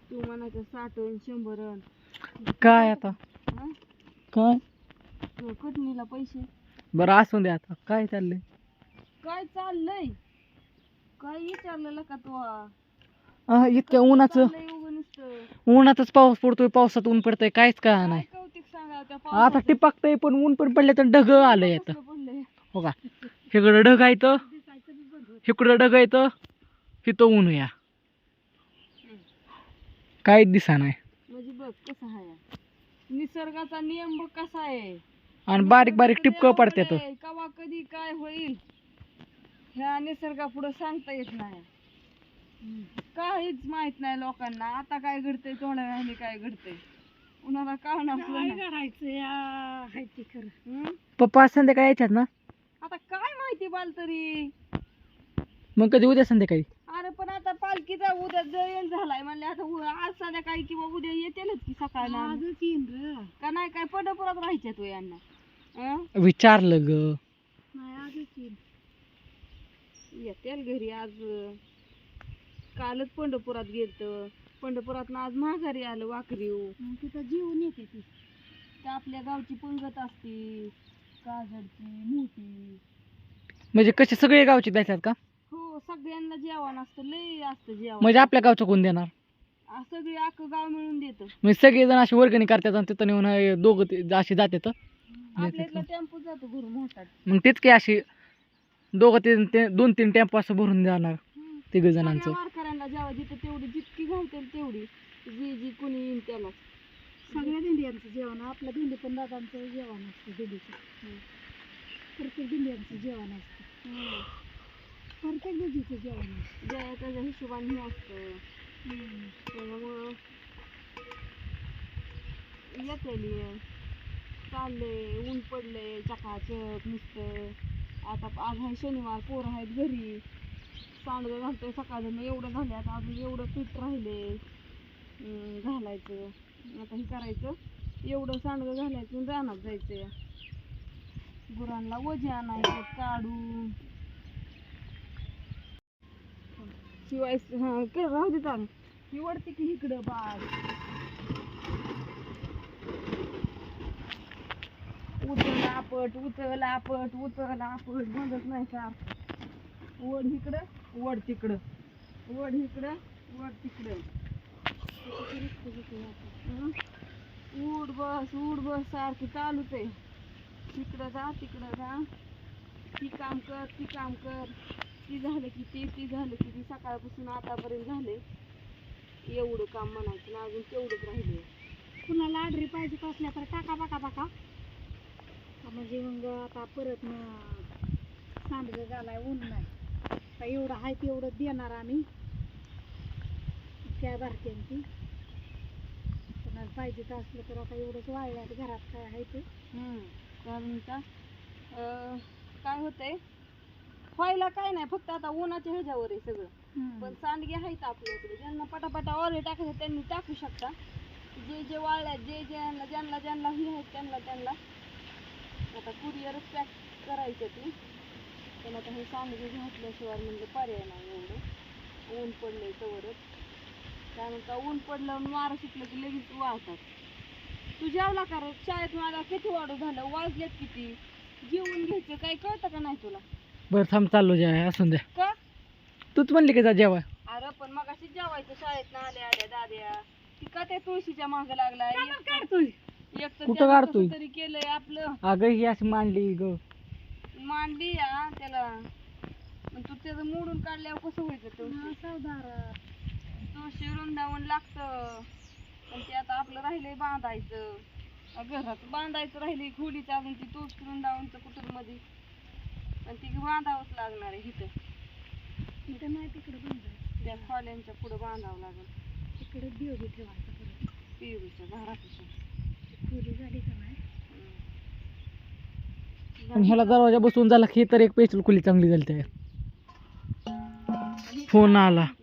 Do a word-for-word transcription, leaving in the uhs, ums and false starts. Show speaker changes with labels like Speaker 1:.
Speaker 1: तू म्हणायचं साठवून शंभरन
Speaker 2: काय आता
Speaker 1: हा?
Speaker 2: काय
Speaker 1: तू कटणीला पैसे
Speaker 2: बरं असू दे आता काय चाललंय
Speaker 1: काय चाललंय काय विचारलेलं का तू
Speaker 2: आ, इतक्या उन्हाचं
Speaker 1: चाललंय उगं नुसतं
Speaker 2: उन्हातच पाऊस पडतोय पावसात ऊन पडतंय काहीच का
Speaker 1: काय
Speaker 2: नाही
Speaker 1: कौतिक सांगा त्या
Speaker 2: आता
Speaker 1: पावसाचं?
Speaker 2: टिपाकतंय पण ऊन पण पडले तर ढग आलंय आता
Speaker 1: कसलं पडलंय
Speaker 2: हो का इकडं ढग आहे तर
Speaker 1: दिसायचं बी बंद होत.
Speaker 2: इकडं ढग आहे तर तिथं ऊन या काहीच दिसा नाही
Speaker 1: म्हणजे बघ कसं आहे निसर्गाचा नियम बघ कसा आहे
Speaker 2: आणि बारीक बारीक टिपकं पडतात
Speaker 1: कवा कधी काय होईल ह्या निसर्गा पुढे सांगता येत नाही काहीच माहित नाही लोकांना आता काय घडतंय थोड्या वेळाने काय घडतंय उन्हाला कळणार करायचं
Speaker 2: पप्पा आज संध्याकाळी यायच्यात ना
Speaker 1: आता काय माहिती बाल तरी
Speaker 2: मग कधी उद्या संध्याकाळी
Speaker 1: अरे पण आता पालखीचा उद्या जयंत झालाय म्हणले आता उ- आज संध्याकाळी किंवा उद्या येतेलच की सकाळला का नाही काय पंढरपुरात राहायच्या तू यांना अं?
Speaker 2: विचारलं ग
Speaker 1: येतेल घरी आज कालच पंढरपुरात गेलत पंढरपुरात आज माघारी आलं वाकरीव तिथं जीवन येते ती त्या आपल्या गावची पंगत असती काजडची मोठी
Speaker 2: म्हणजे कसे सगळे गावचे द्यायच्यात का
Speaker 1: हो सगळ्यांना जेवण असतं लय असतं जेवण
Speaker 2: म्हणजे आपल्या गावचं कोण देणार
Speaker 1: आ, सगळी अख्खं गाव मिळून देतं
Speaker 2: म्हणजे सगळेजण अशी वर्गणी करतात आणि तिथं नेऊन हे दोघं ते अशी जातात
Speaker 1: आपल्या इथला टेम्पो जातो भरून मोठा
Speaker 2: मग तेच की अशी दोघं तीन ते दोन तीन टेम्पो असं भरून जाणार तिघ जणांचं
Speaker 1: सगळ्या वारकऱ्यांना जेव्हा जिथं तेवढी जितकी घालतील तेवढी जी जी कुणी येईल त्याला सगळ्या दिंड्यांचं जेवण आपल्या दिंडी पण दादांचं जेवण असतं दिंडीचं प्रत्येक दिंड्यांचं जेवण असतं प्रत्येक दिंडीचं जेवण असतं ज्या त्याच्या हिशोबाने हे असतं त्याच्यामुळं येते चालले ऊन पडले चकाचक नुसतं आता आज आहे शनिवार पोरं आहेत घरी सांडगं घालतोय सकाळचं एवढं झाले आता अजून एवढं पीठ राहिले अं, घालायचं आता हे करायचं एवढं सांडगं घालायचं आणि रानात जायचं गुरांना वजे आणायचं काढून शिवाय हा कर राहू दे चाल ही वडते की इकडं बाळ उचल आपट उचल आपट उचल आपट बंदच नाही का वड इकडं वड तिकडं वड इकडं वड तिकडं हं? उड बस उड बस सारखी चालूच आहे तिकडं जा तिकडं जा ती काम कर ती काम कर ती झालं की ती ती झालं की ती सकाळपासून आतापर्यंत झाले एवढं काम म्हणायचं ना अजून तेवढंच राहिले कुणाला आडरी पाहिजे असल्या तर टाका बाका बाका म्हणजे मग आता परत मग सांडगं घालाय ऊन नाही का एवढं आहे तेवढं देणार आम्ही त्या बारक्यांची कोणाला पाहिजे तर असलं तर आता एवढंच वाळल्यात घरात काय आहे ते कारण का काय होतंय व्हायला काय नाही फक्त आता उन्हाच्या ह्याच्यावर आहे सगळं पण सांडगे आहेत आपल्याकडे ज्यांना पटापटा ऑर्डर टाकायचं त्यांनी टाकू शकता जे जे वाळल्यात जे ज्यांना ज्यांना ज्यांना हे आहेत त्यांना त्यांना आता कुरिअरच पॅक करायचं ती पण आता हे सांडगे घातल्याशिवाय म्हणजे पर्याय नाही एवढं ऊन पडलंय तवरच कारण का ऊन पडलं आणि वारं सुटलं की लगेच वाळतात तू जेवला का रे शाळेत मला किती वाढू झालं वाजलेत किती जेवून घ्यायचं काही कळतं का नाही तुला
Speaker 2: बरं थांब चाललो जेवाय असून द्या
Speaker 1: का
Speaker 2: तूच म्हणली की जा जेवाय
Speaker 1: अरे पण मग अशी जेवायचं शाळेत ना आल्या आल्या दाद्या ती का त्या तुळशीच्या माग लागलाय काढतोय एक तर
Speaker 2: कुठं
Speaker 1: त्यानं
Speaker 2: काढतोय?
Speaker 1: कसं तरी केलंय आपलं
Speaker 2: अगं ही अशी मांडली ग
Speaker 1: मांडली या त्याला पण तू त्याचं मोडून काढल्यावर कसं व्हायचं तुळशी तुळशी वृंदावन लागतं पण ते आता आपलं राहिलंय बांधायचं घरात बांधायचं राहिलंय खोलीचं अजून ती तुळशी वृंदावनचं कुठं मध्ये आणि ती बांधावंच लागणार आहे इथं इथं नाही तिकडं बांधायचं त्या खोल्यांच्या पुढं बांधावं लागेल तिकडे बिओबी ठेवायचं परत पिऊच्या घरापासून खोली झाली का नाही
Speaker 2: आणि ह्याला दरवाजा बसवून झाला की तर एक पेशल खुली चांगली झाली त्या फोन आला